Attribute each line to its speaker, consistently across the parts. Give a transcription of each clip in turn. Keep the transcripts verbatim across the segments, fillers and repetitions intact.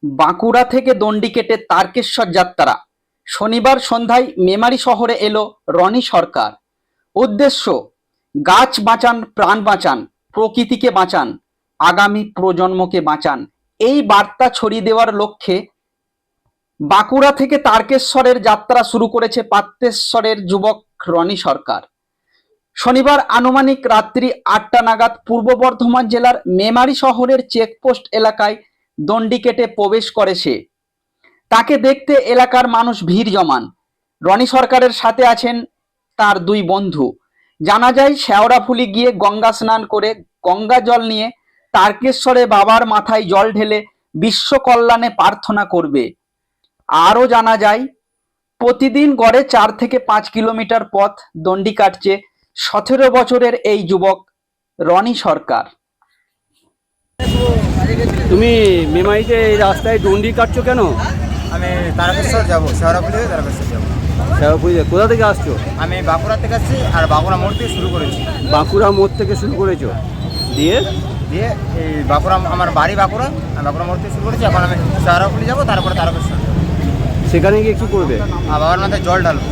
Speaker 1: বাঁকুড়া থেকে দণ্ডি কেটে তারকেশ্বর যাত্রা। শনিবার সন্ধ্যায় মেমারি শহরে এলো রনি সরকার। উদ্দেশ্য, গাছ বাঁচান, প্রাণ বাঁচান, প্রকৃতিকে বাঁচান, আগামী প্রজন্মকে বাঁচান। এই বার্তা ছড়িয়ে দেওয়ার লক্ষ্যে বাঁকুড়া থেকে তারকেশ্বরের যাত্রা শুরু করেছে পাত্রেশ্বরের যুবক রনি সরকার। শনিবার আনুমানিক রাত্রি আটটা নাগাদ পূর্ব বর্ধমান জেলার মেমারি শহরের চেকপোস্ট এলাকায় দণ্ডি কেটে প্রবেশ করে সে। তাকে দেখতে এলাকার মানুষ ভিড় জমান। রনি সরকারের সাথে আছেন তার দুই বন্ধু। জানা যায় শেওড়াফুলি গিয়ে গঙ্গা স্নান করে গঙ্গা জল নিয়ে তারকেশ্বরে বাবার মাথায় জল ঢেলে বিশ্ব কল্যাণে প্রার্থনা করবে। আরও জানা যায় প্রতিদিন গড়ে চার থেকে পাঁচ কিলোমিটার পথ দণ্ডি কাটছে সতেরো বছরের এই যুবক রনি সরকার।
Speaker 2: তুমি মেমারিতে এই রাস্তায় দণ্ডি কাটছো কেন?
Speaker 3: আমি তারকেশ্বর যাবো, শেওড়াফুলি হয়ে তারকেশ্বর যাবো।
Speaker 2: শেওড়াফুলি কোথা থেকে আসছো?
Speaker 3: আমি বাঁকুড়া থেকে আসছি, আর বাঁকুড়া মোড় থেকে শুরু করেছি।
Speaker 2: বাঁকুড়া মোড় থেকে শুরু করেছো, দিয়ে
Speaker 3: দিয়ে এই বাঁকুড়া, আমার বাড়ি বাঁকুড়া, আমি বাঁকুড়া মোড় থেকে শুরু করেছি। এখন আমি শেওড়াফুলি যাবো, তারপরে তারকেশ্বর যাবো।
Speaker 2: সেখানে গিয়ে কী করবে?
Speaker 3: আর বাবার মাথায় জল ঢালবো।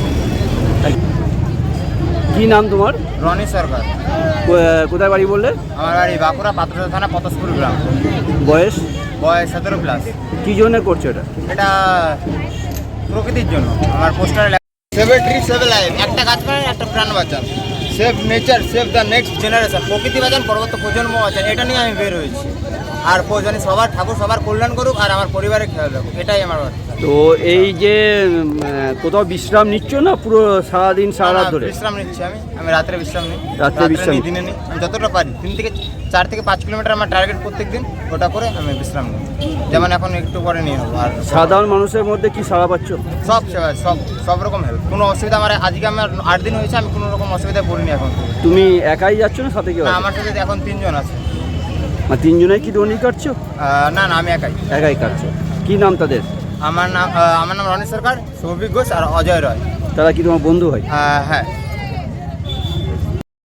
Speaker 2: কি নাম তোমার?
Speaker 3: রনি সরকার।
Speaker 2: কো- কোথায় বাড়ি বললে?
Speaker 3: আমার বাড়ি বাঁকুড়া, পাত্রসার থানা, পতসপুর গ্রাম।
Speaker 2: বয়স?
Speaker 3: বয়স সতেরো প্লাস।
Speaker 2: কী জন্য করছো এটা?
Speaker 3: এটা প্রকৃতির জন্য। আমার পোস্টারে সেভ ট্রি সেভ লাইফ, একটা গাছ কাটেন একটা প্রাণ বাঁচান, save nature save the next generation, প্রকৃতি বাঁচান পরবর্তী প্রজন্ম বাঁচান। এটা নিয়ে আমি বের হয়েছি। আর প্রয়োজনে সবার, ঠাকুর সবার কল্যাণ করুক, আর আমার পরিবারের খেয়াল রাখুক, এটাই আমার বার্তা।
Speaker 2: তো এই যে উম, আহ, কোথাও বিশ্রাম নিচ্ছ না পুরো সারাদিন সারা রাত ধরে?
Speaker 3: বিশ্রাম নিচ্ছি আমি আমি রাত্রে বিশ্রাম নিই।
Speaker 2: রাত্রে বিশ্রাম
Speaker 3: নিই, দিনে নিই, আমি যতটা পারি। তিন থেকে চার থেকে পাঁচ কিলোমিটার আমার টার্গেট প্রত্যেক দিন, ওটা করে আমি বিশ্রাম নিই। যেমন এখন একটু পরে নিয়ে নেবো। আর
Speaker 2: সাধারণ মানুষের মধ্যে কি সাড়া পাচ্ছ?
Speaker 3: সব সেবা, সব সব রকম হেল্প, কোনো অসুবিধা আমার আজকে আমার আট দিন হয়েছে, আমি কোনো রকম অসুবিধায় পড়িনি এখন।
Speaker 2: তুমি একাই যাচ্ছ না সাথে কেউ
Speaker 3: না,
Speaker 2: আছে?
Speaker 3: আমার সাথে এখন তিনজন আছে।
Speaker 2: মানে তিনজনেই কি দণ্ডি কাটছো?
Speaker 3: আহ, না না, আমি একাই।
Speaker 2: একাই কাটছো। কি নাম তাদের?
Speaker 3: আমার নাম আহ, আমার নাম রনি সরকার, সৌভিক ঘোষ আর অজয় রয়।
Speaker 2: তারা কি তোমার বন্ধু হয়?
Speaker 3: আহ, হ্যাঁ।